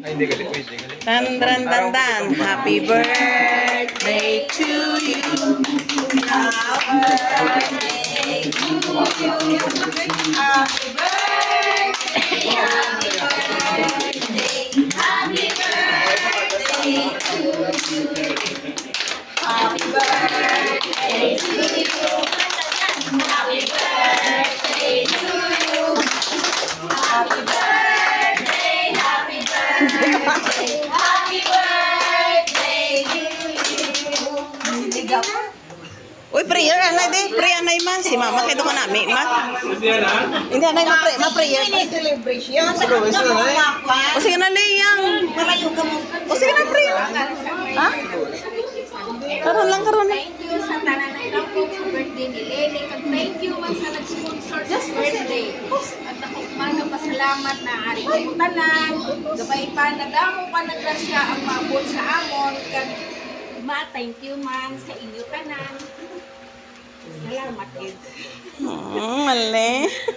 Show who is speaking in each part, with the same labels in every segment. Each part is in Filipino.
Speaker 1: Ay, hindi galit. Hindi galit.
Speaker 2: Dan, dan, dan, dan. Happy birthday to you. Happy birthday to you. Happy birthday. Happy birthday. Happy birthday to you. Happy birthday to you. Happy birthday to you. Happy birthday. Happy birthday. Happy birthday to you. Uy, prayer anay di. Prayer anay man. Si mama kaya doon ka namin, ma. Hindi anay, ma-prayer.
Speaker 3: Celebration.
Speaker 2: O sige na, Leyang. O sige na, prayer. Ha? Karon lang.
Speaker 4: Thank you sa tanan ng kapog sa birthday ni Lene. Kag thank you man sa nag-sponsor sa birthday. At ako man pasalamat na ari ko tanan. Gabay pa nadamo pa na grasya ang maabot sa amon. Kag ma thank you man sa inyo tanan. Salamat gid.
Speaker 2: Mali.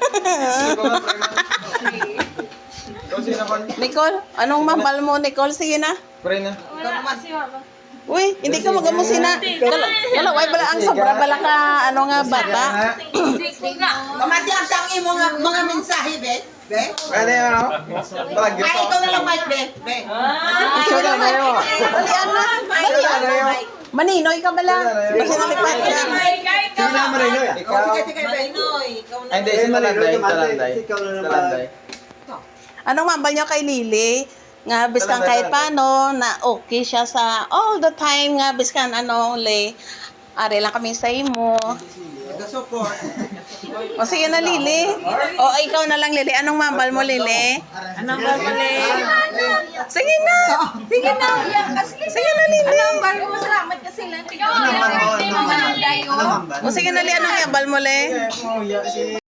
Speaker 2: Nicole, anong mambal mo, Nicole? Sige na.
Speaker 1: Pray na.
Speaker 2: Uy, hindi ka magamusin na. Kalaway bala ang sobra bala ka, ano nga, bata.
Speaker 3: Mamati ang tangi mo mga mensahe, be. Be?
Speaker 1: Ano yun, ano? Palagyo
Speaker 3: Ay, ikaw na lang, Mike, be. Be.
Speaker 1: Sino na yun?
Speaker 2: Dalian na. Maninoy ka bala. Kasi nalipat ka.
Speaker 1: Sino na Marinoy? Ikaw?
Speaker 3: Sige, be.
Speaker 1: Ay, hindi. Si Talanday. Talanday.
Speaker 2: Anong mambal niyo kay Lily? Nga biskan kahit paano na okay siya sa all the time nga biskan ano le. Are lang kami sa imo.
Speaker 3: Support.
Speaker 2: O sige na Lily. O ikaw na lang Lily. Anong mambal mo Lily? Anong mambal mo Lily? Sige na. Sige na. Sige na Lily.
Speaker 4: Anong bal mo salamat kasi lang. Ikaw ang birthday mo man dayo.
Speaker 2: O sige na Lily. Anong mambal mo Lily?